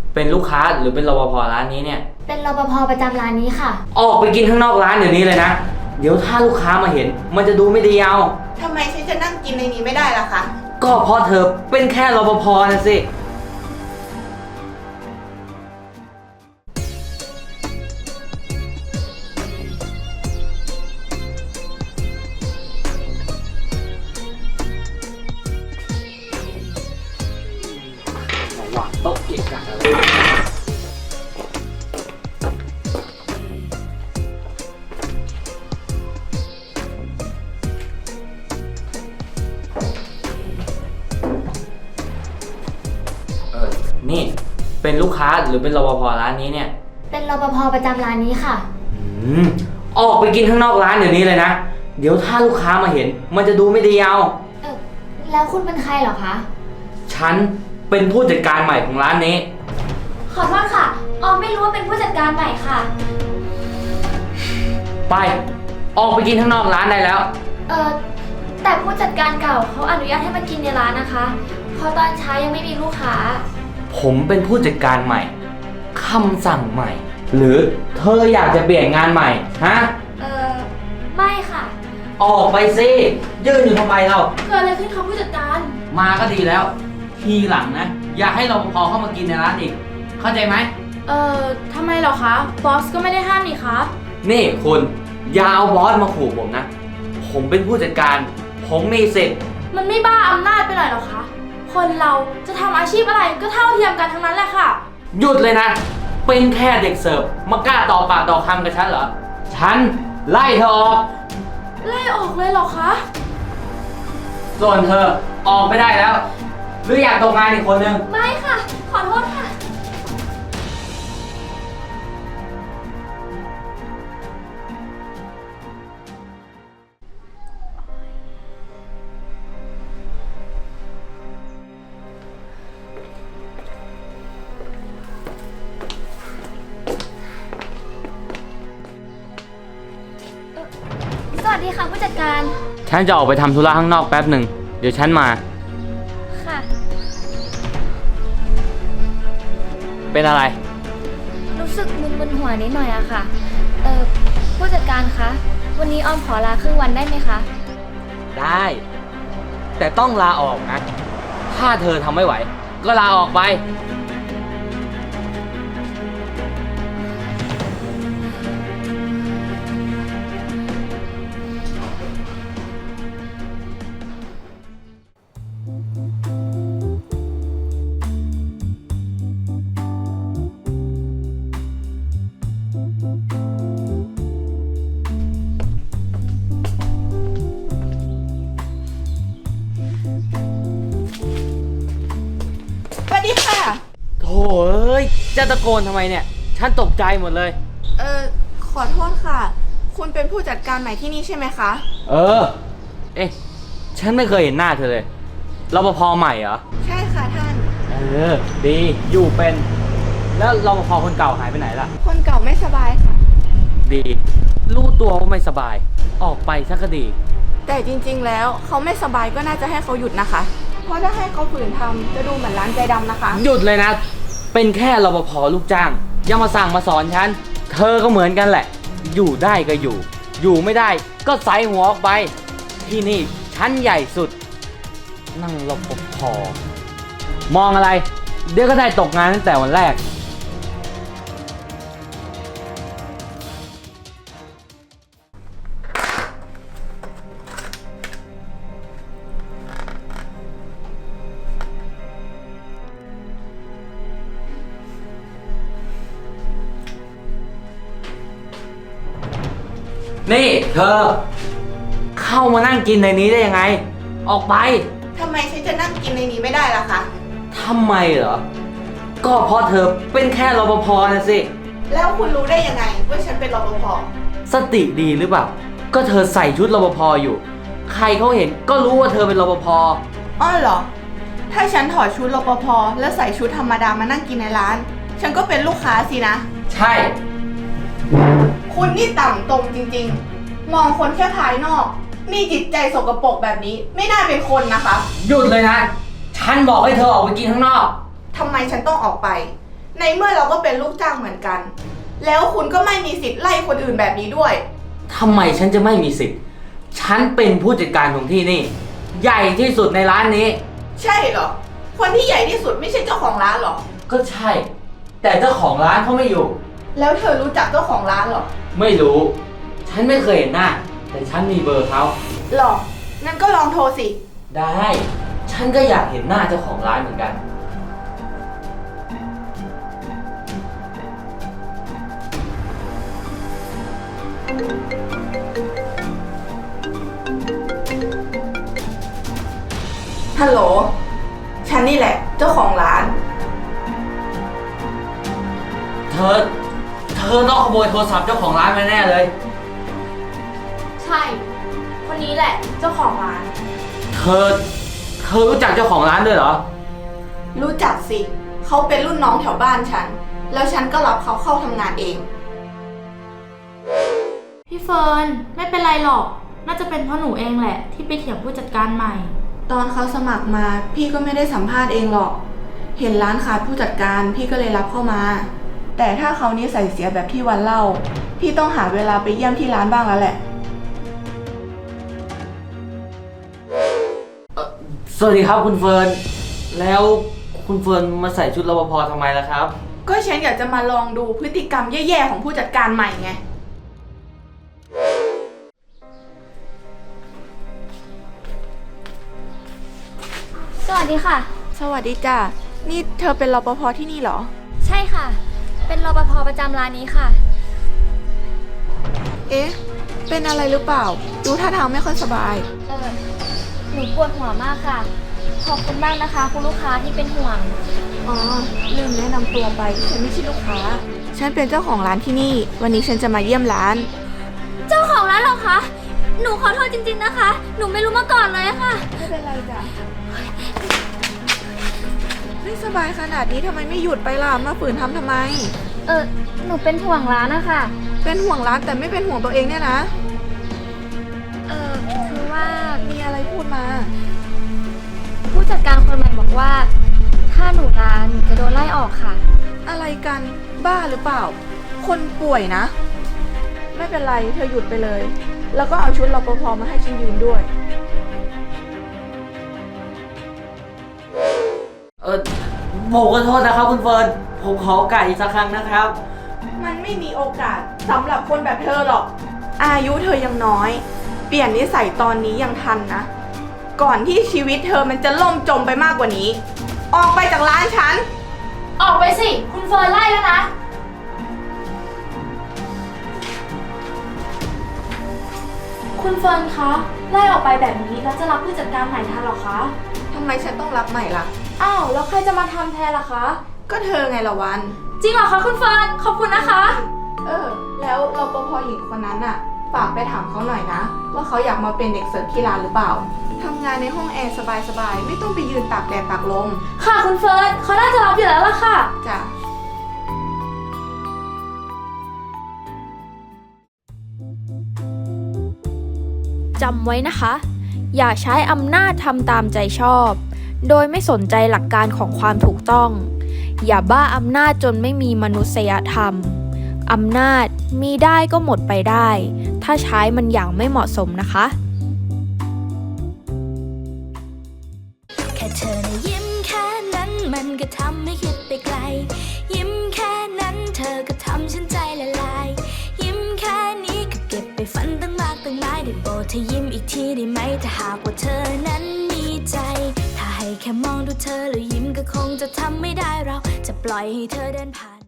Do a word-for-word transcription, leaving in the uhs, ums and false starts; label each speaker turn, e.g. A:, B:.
A: เป็นลูกค้าหรือเป็นรปภร้านนี้เนี่ย
B: เป็นรปภประจำร้านนี้ค่ะ
A: ออกไปกินข้างนอกร้านเดี๋ยวนี้เลยนะเดี๋ยวถ้าลูกค้ามาเห็นมันจะดูไม่ดีเอา
C: ทำไมฉันจะนั่งกินในนี้ไม่ได้ล่ะคะ
A: ก็เพราะเธอเป็นแค่รปภนะสิวางโต๊ะเกะกะอะไรเออนี่เป็นลูกค้าหรือเป็นรปภร้านนี้เนี่ย
B: เป็นรปภประจำร้านนี้ค่ะ
A: อืมออกไปกินข้างนอกร้านเดี๋ยวนี้เลยนะเดี๋ยวถ้าลูกค้ามาเห็นมันจะดูไม่ดีเอา
B: เออแล้วคุณเป็นใครเหรอคะ
A: ฉันเป็นผู้จัดการใหม่ของร้านนี้
B: ขอโทษค่ะออมไม่รู้ว่าเป็นผู้จัดการใหม่ค่ะ
A: ไปออกไปกินข้างนอกร้านได้แล้ว
B: เออแต่ผู้จัดการเก่าเขาอนุญาตให้มากินในร้านนะคะเพราะตอนเช้ายังไม่มีลูกค้า
A: ผมเป็นผู้จัดการใหม่คำสั่งใหม่หรือเธออยากจะเปลี่ยนงานใหม่ฮะ
B: เออไม่ค่ะ
A: ออกไปสิยืนอยู่ทำไมเรา
B: เกิดอะไรขึ้นคะผู้จัดการ
A: มาก็ดีแล้วทีหลังนะอย่าให้รปภเข้ามากินในร้านอีกเข้าใจไหม
B: เอ่อทำไมเหรอคะบอสก็ไม่ได้ห้ามนี่คะ
A: นี่คุณอย่าเอาบอสมาขู่ผมนะผมเป็นผู้จัดการผมมีสิทธิ์
B: มันไม่บ้าอำนาจไปหน่อยหรอคะคนเราจะทำอาชีพอะไรก็เท่าเทียมกันทั้งนั้นแหละค่ะ
A: หยุดเลยนะเป็นแค่เด็กเสิร์ฟมากล้าต่อปากต่อคำกับฉันเหรอฉันไล่เธอออก
B: ไล่ออกเลยเหรอคะ
A: ส่วนเธอออกไม่ได้แล้วหรืออยากตกงานอีกคนนึง
B: ไม่ค่ะขอโทษค่ะสวัสดีค่ะผู้จัดการ
A: ฉันจะออกไปทำธุระข้างนอกแป๊บหนึ่งเดี๋ยวฉันมา
B: ค่ะ
A: เป็นอะไร
B: รู้สึกมึนๆหัวนิดหน่อยอะค่ะเออผู้จัดการคะวันนี้ออมขอลาครึ่งวันได้ไหมคะ
A: ได้แต่ต้องลาออกนะถ้าเธอทำไม่ไหวก็ลาออกไป
C: สวัสดีค่ะ
A: โถ่เอ้ยจะตะโกนทำไมเนี่ยฉันตกใจหมดเลย
C: เออขอโทษค่ะคุณเป็นผู้จัดการใหม่ที่นี่ใช่ไหมคะ
A: เออเอ๊ะฉันไม่เคยเห็นหน้าเธอเลยรปภใหม่เหรอ
C: ใช่ค่ะท่าน
A: เออดีอยู่เป็นแล้วรปภคนเก่าหายไปไหนล่ะ
C: คนเก่าไม่สบายค่ะ
A: ดีรู้ตัวว่าไม่สบายออกไปสักก็ดี
C: แต่จริงๆแล้วเขาไม่สบายก็น่าจะให้เขาหยุดนะคะเพราะถ้าให้เขาฝืนทำจะดูเหมือนร้านใจดำนะคะ
A: หยุดเลยนะเป็นแค่รปภลูกจ้างอย่ามาสั่งมาสอนฉันเธอก็เหมือนกันแหละอยู่ได้ก็อยู่อยู่ไม่ได้ก็ใส่หัวออกไปที่นี่ชั้นใหญ่สุดนั่งรปภมองอะไรเดี๋ยวก็ได้ตกงานตั้งแต่วันแรกนี่เธอเข้ามานั่งกินในนี้ได้ยังไงออกไป
C: ทำไมฉันจะนั่งกินในนี้ไม่ได้ล่ะคะ
A: ทำไมเหรอก็เพราะเธอเป็นแค่รปภนะสิ
C: แล้วคุณรู้ได้ยังไงว่าฉันเป็นรปภ
A: สติดีหรือเปล่าก็เธอใส่ชุดรปภอยู่ใครเขาเห็นก็รู้ว่าเธอเป็นรปภ
C: อ้อเหรอถ้าฉันถอดชุดรปภแล้วใส่ชุดธรรมดามานั่งกินในร้านฉันก็เป็นลูกค้าสินะ
A: ใช่
C: คุณนี่ต่ำตรงจริงๆมองคนแค่ภายนอกมีจิตใจสกปรกแบบนี้ไม่น่าเป็นคนนะคะ
A: หยุดเลยนะฉันบอกให้เธอออกไปกินข้างนอก
C: ทำไมฉันต้องออกไปในเมื่อเราก็เป็นลูกจ้างเหมือนกัน แล้วคุณก็ไม่มีสิทธิ์ไล่คนอื่นแบบนี้ด้วย
A: ทำไมฉันจะไม่มีสิทธิ์ ฉันเป็นผู้จัดการของที่นี่ ใหญ่ที่สุดในร้านนี้
C: ใช่เหรอ คนที่ใหญ่ที่สุดไม่ใช่เจ้าของร้านเหรอ
A: ก็ใช่ แต่เจ้าของร้านเขาไม่อยู่
C: แล้วเธอรู้จักเจ้าของร้านเหรอ
A: ไม่รู้ ฉันไม่เคยเห็นหน้า แต่ฉันมีเบอร์เขา
C: หรอ งั้นก็ลองโทรสิ
A: ได้ ฉันก็อยากเห็นหน้าเจ้าของร้านเหมือนกัน
C: ฮัลโหล ฉันนี่แหละเจ้าของร้าน
A: เธอ เธอต้องขโมยโทรศัพท์เจ้าของร้านมาแน่เลย
B: ใช่ คนนี้แหละเจ้าของร้าน
A: เธอ เธอรู้จักเจ้าของร้านด้วยเหรอ
C: รู้จักสิ เขาเป็นรุ่นน้องแถวบ้านฉัน แล้วฉันก็รับเขาเข้าทำงานเอง
D: พี่เฟิร์นไม่เป็นไรหรอก น่าจะเป็นเพราะหนูเองแหละ ที่ไปเถียงผู้จัดการใหม่
C: ตอนเขาสมัครมาพี่ก็ไม่ได้สัมภาษณ์เองหรอก เห็นร้านขาดผู้จัดการพี่ก็เลยรับเข้ามา แต่ถ้าเขานิสัยเสียแบบที่วันเล่า พี่ต้องหาเวลาไปเยี่ยมที่ร้านบ้างแล้วแหละ
A: สวัสดีครับคุณเฟิร์น แล้วคุณเฟิร์นมาใส่ชุดรปภทำไมล่ะครับ
C: ก็ฉันอยากจะมาลองดูพฤติกรรมแย่ๆของผู้จัดการใหม่ไง
B: สวัสดีค่ะ
C: สวัสดีจ้ะ นี่เธอเป็นรปภที่นี่เหรอ
B: ใช่ค่ะ เป็นรปภประจำร้านนี้ค่ะ
C: เอ๊ะ เป็นอะไรหรือเปล่า ดูท่าทางไม่ค่อยสบาย
B: เออหนูปวดหัวมากค่ะ ขอบคุณมากนะคะคุณลูกค้าที่เป็นห่วง
C: อ๋อ ลืมแนะนำตัวไป ฉันไม่ใช่ลูกค้า ฉันเป็นเจ้าของร้านที่นี่ วันนี้ฉันจะมาเยี่ยมร้าน
B: เจ้าของร้านเหรอคะ หนูขอโทษจริงๆนะคะ หนูไม่รู้มาก่อนเลยค่ะ
C: ไม่เป็นไรจ้ะ ไม่สบายขนาดนี้ทำไมไม่หยุดไปล่ะ มาฝืนทำทำไม
B: เออหนูเป็นห่วงร้านนะคะ
C: เป็นห่วงร้านแต่ไม่เป็นห่วงตัวเองเนี่ยนะ
B: เออคือว่า
C: มีอะไรพูดมา
B: ผู้จัดการคนใหม่บอกว่า ถ้าหนูลาหนูจะโดนไล่ออกค่ะ
C: อะไรกัน บ้าหรือเปล่า คนป่วยนะ ไม่เป็นไร เธอหยุดไปเลย แล้วก็เอาชุดรปภมาให้ฉันยืนด้วย
A: เออผมขอโทษนะครับคุณเฟิร์น ผมขอโอกาสอีกสักครั้งนะครับ
C: มันไม่มีโอกาสสำหรับคนแบบเธอหรอก อายุเธอยังน้อย เปลี่ยนนิสัยตอนนี้ยังทันนะ ก่อนที่ชีวิตเธอมันจะล่มจมไปมากกว่านี้ ออกไปจากร้านฉัน
D: ออกไปสิ คุณเฟิร์นไล่แล้วนะ คุณเฟิร์นคะ ไล่ออกไปแบบนี้แล้วจะรับผู้จัดการใหม่ทันหรอคะ
C: ทำไมฉันต้องรับใหม่ล่ะ
D: อ้าว แล้วใครจะมาทำแทนล่ะคะ
C: ก็เธอไงละวัน
D: จริงเหรอคะคุณเฟิร์น ขอบคุณนะคะ
C: เออ แล้วรปภหญิงคนนั้นน่ะ ฝากไปถามเขาหน่อยนะ ว่าเขาอยากมาเป็นเด็กเสิร์ฟที่ร้านหรือเปล่า ทำงานในห้องแอร์สบายๆ ไม่ต้องไปยืนตากแดดตากลม
D: ค่ะคุณเฟิร์นเขาน่าจะรับอยู่แล้วล่ะค่ะ
C: จ้ะ
E: จำไว้นะคะ อย่าใช้อำนาจทำตามใจชอบ โดยไม่สนใจหลักการของความถูกต้อง อย่าบ้าอำนาจจนไม่มีมนุษยธรรม อำนาจมีได้ก็หมดไปได้ ถ้าใช้มันอย่างไม่เหมาะสมนะคะ
F: แค่เธอนะยิ้มแค่นั้นมันก็ทำให้คิดไปไกล ยิ้มแค่นั้นเธอก็ทำฉันใจละลาย ยิ้มแค่นี้ก็เก็บไปฝันตั้งมากตั้งหลายได้โปรดเธอยิ้มอีกทีได้ไหมถ้าหากว่าเธอนั้นมีใจ ถ้าให้แค่มองดูเธอแล้วยิ้มก็คงจะทำไม่ได้เราจะปล่อยให้เธอเดินผ่าน